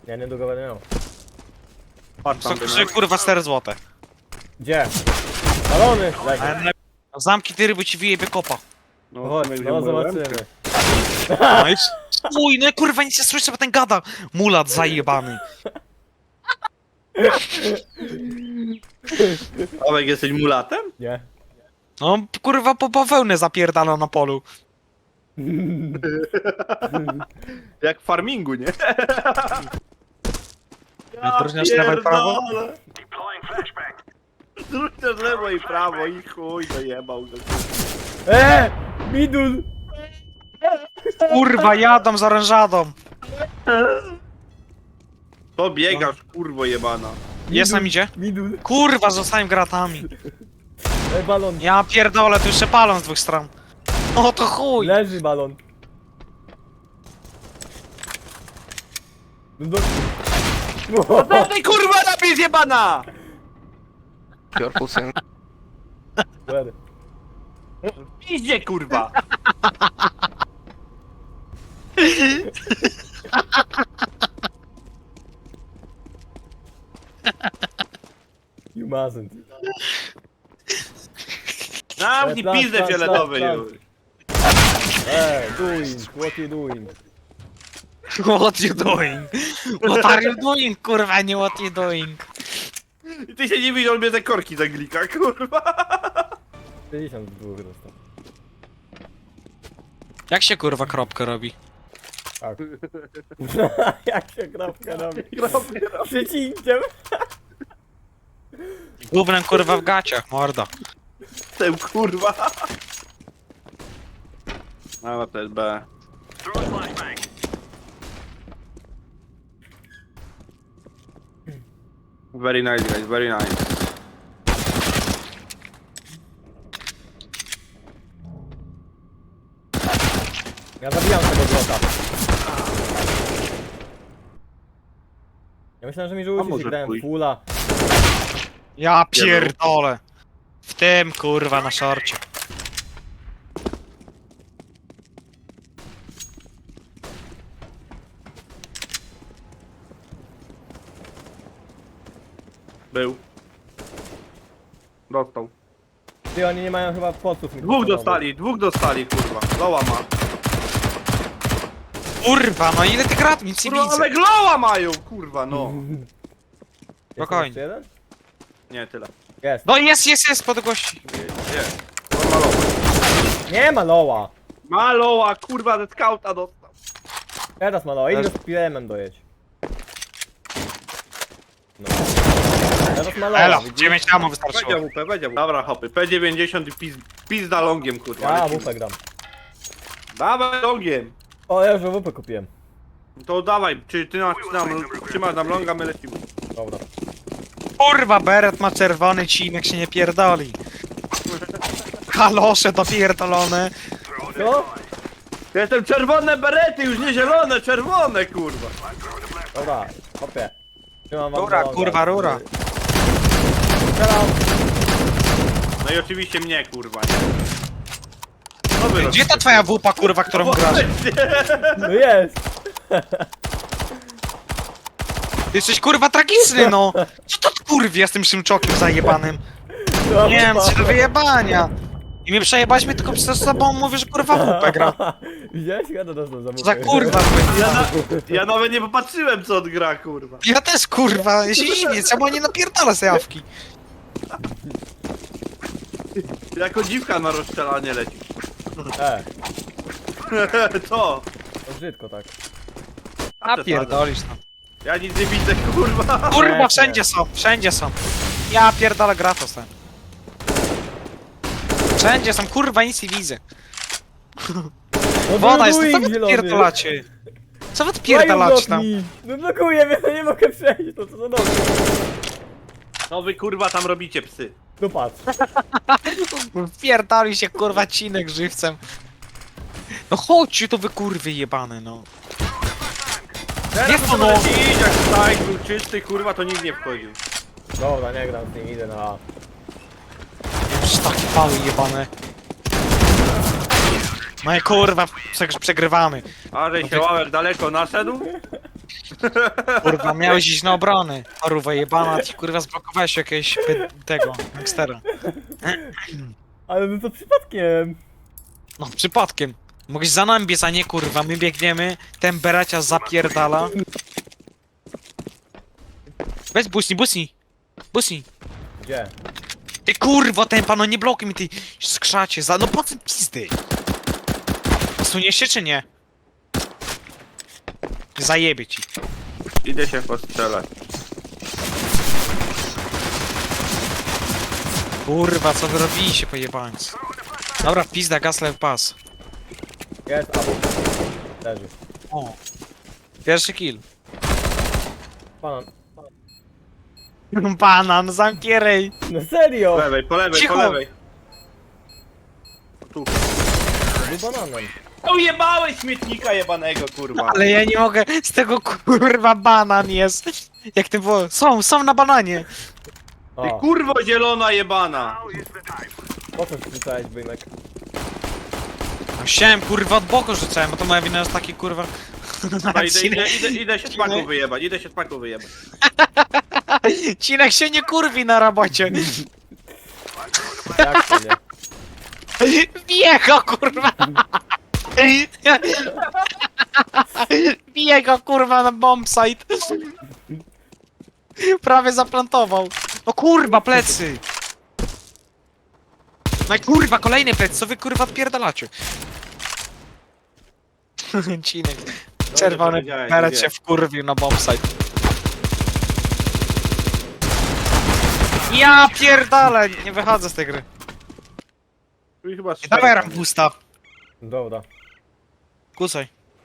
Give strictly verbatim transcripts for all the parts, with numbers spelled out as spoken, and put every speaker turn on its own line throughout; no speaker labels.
Ja niedługo będę miał.
Patrz tam,
Co kosztuje kurwa cztery złote.
Gdzie? Balony! Leży.
Zamki ty ryby ci wyjebie kopa.
No,
Chodź,
Tomek
no
wziął moją
zobaczymy.
rękę.
No i uj, no kurwa nic nie słyszę, bo ten gada. Mulat zajebany.
Tomek, jesteś mulatem?
Nie.
No kurwa po bawełnę zapierdala na polu.
Jak w farmingu, nie?
Odróżniasz lewo i prawo?
pierdolę. Odróżniasz lewo i prawo i chuj, dojebał go.
Eee! Midul!
Kurwa jadą z orężadą.
To biegasz, kurwo jebana.
Jest nam idzie?
Midul!
Kurwa zostałem gratami.
E, balon!
Ja pierdolę, tu jeszcze palą z dwóch stron. O to chuj.
Leży balon! No do...
No tej kurwa napis jebana!
Careful, Sam.
Where?
Idzie kurwa!
You mustn't.
Zamknij
Plan,
pizdę
plan,
fioletowy
plan,
już.
Eee, doing, what you doing?
What you doing? What are you doing, kurwa, nie what you doing?
I ty się nie widział, mnie te korki zaglika, kurwa.
pięćdziesiąt dwóch dostał.
Jak się kurwa kropkę robi?
Tak. Jak się kropka robi? Przecinkiem!
Gównem kurwa w gaciach, mordo.
Tym kurwa. No to jest B. Very nice guys, very nice.
Ja zabijam tego złota. Ja myślałem, że mi
A
rzucić
może
i grałem
chuj.
fulla.
Ja pierdolę. W tym kurwa na szorcie.
Był. Dostał.
Ty, oni nie mają chyba poców.
Dwóch dostali, dwóch dostali, kurwa. Loła ma.
Kurwa, no ile ty grat nic nie
Kurwa,
widzę.
ale gloła mają, kurwa, no.
Spokojnie.
Jeszcze jeden?
Nie, tyle.
Jest.
No jest, jest, jest pod gości.
Nie. Kurwa, loła.
Nie ma loła!
Ma loła, kurwa, ze skauta dostał.
Teraz ma loła, idź
Też-
go z pilem dojedź. No. Teraz ma loła,
Elo,
widzisz?
dziewięć ammo
Będzie
wystarczyło.
W P, będzie W P. Dobra, hopy, P dziewięćdziesiąt i pizd, pizda longiem, kurwa.
Ja
lecimy.
W P gram.
Dawaj longiem.
O, ja już W P kupiłem.
To dawaj, czy ty nas nam, trzymasz nam longa, my lecimy.
Dobra.
Kurwa, beret ma czerwony cinek, się nie pierdoli. Kalosze dopierdolone.
Co?
Ja jestem czerwone berety, już nie zielone, czerwone, kurwa.
Dobra, hopie. Trzymam wam
Rura,
longa.
kurwa, rura.
Strzelam.
No i oczywiście mnie, kurwa, nie? Co wy
Gdzie
robicie?
ta twoja wupa, kurwa, którą grasz?
No jest!
Ty jesteś kurwa tragiczny, no! Co to kurwie z tym szymczokiem zajebanym?
No,
Nie wiem, co do wyjebania. I mnie przejebać mi tylko przez sobą mówię, że kurwa wupę gra.
Widziałeś? Ja to dostał za
Co za
muchę.
kurwa.
Ja, na, ja nawet nie popatrzyłem, co on gra, kurwa.
Ja też kurwa, ja się dziwię, czemu nie napierdala z jawki.
Jako dziwka na rozstrzelanie leci.
E,
Co?
to brzydko tak.
A
Napierdolisz tam.
Ja nic nie widzę, kurwa.
Kurwa, wszędzie są, wszędzie są. Ja pierdolę gratos ten. Wszędzie są, kurwa, nic nie widzę.
No
Woda jest,
blokuj,
co wy
zielony.
pierdolacie? Co wy
Mają
pierdolacie tam?
blokni. No blokuję mnie, to nie mogę przejść, to co za noc.
No wy, kurwa, tam robicie, psy.
No patrz.
Pierdoli się kurwa cinek żywcem. No chodźcie to wy kurwy jebane no.
Teraz
Nie,
to
no.
leci, jak stajk był czysty, kurwa, to nikt nie wchodził.
Dobra, nie gram z nim, idę na A.
Już takie pały jebane. No i kurwa, prze- przegrywamy.
A że się ławek daleko naszedł?
Kurwa, miałeś iść na obronę. Paruwa jebana, ty kurwa zblokowałeś jakiegoś py- tego, gangstera.
Ale no to przypadkiem.
No, przypadkiem. Mogłeś za nami biec, a nie kurwa, my biegniemy, ten beracia zapierdala. Weź busni, busni. Busni.
Gdzie?
Ty kurwo, ten pano, nie blokuj mi, ty skrzacie, za... no po co pizdy? Suniesz się czy nie? Zajebie ci.
Idę się postrzelać.
Kurwa, co wy robiliście, pojebańcy? Dobra, pizda, gasle w pas.
Jest, albo. Leży.
O. Pierwszy kill.
Banan.
Banan, zamknij rej.
No
Po
serio!
lewej, po lewej,
Cicho.
po lewej. Tu.
Był bananem.
Ujebałeś śmietnika jebanego, kurwa.
Ale ja nie mogę, z tego kurwa banan jest. Jak ty było? Są, są na bananie.
Ty
O,
kurwo zielona jebana.
po co rzucałeś bynek?
No chciałem kurwa od boku rzucałem, a to moja wina jest taki kurwa...
Dobra, idę, idę, idę, idę się z paku wyjebać, idę się z paku wyjebać.
Cinek się nie kurwi na robocie.
Jak to nie?
Bije go kurwa. Bije go kurwa na bombsite. Prawie zaplantował. No kurwa, plecy. No i kurwa, kolejny plec, co wy kurwa odpierdalacie? Cinek. Czerwony
powiedziałeś,
beret
nie
się wkurwił na bombsite. Ja pierdolę, nie wychodzę z tej gry.
Tu i chyba
Dawaj
strzela.
rambusta.
Dobra.
Kucaj.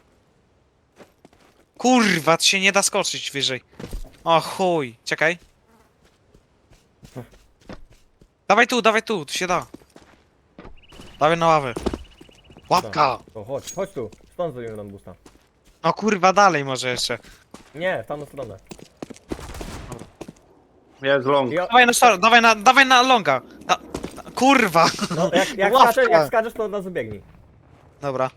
Kurwa, to się nie da skoczyć wyżej. O chuj, czekaj. Dawaj tu, dawaj tu, tu się da. Dawaj na ławę. Łapka!
To chodź, chodź tu. Stąd zrobimy nam busta.
No kurwa, dalej może jeszcze.
Nie, w tamtą stronę.
Jest long.
Ja,
Dawaj na szaro, dawaj na, dawaj na longa. Na, na, kurwa!
no, jak, jak,
Łapka.
skaczesz, jak skaczesz, to od razu biegnij.
Dobra.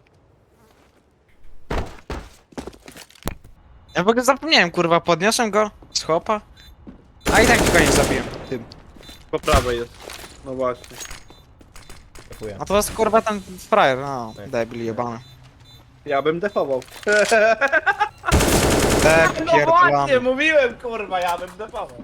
Ja w ogóle zapomniałem, kurwa, podniosłem go z chłopa. A i tak go nie zabiłem. Tym.
Po prawej jest. No właśnie.
Dziękuję.
A to jest kurwa ten frajer, no,
Tak.
debil jebany.
Ja bym defował.
Deb
No właśnie,
pierdolony.
mówiłem kurwa, ja bym defował.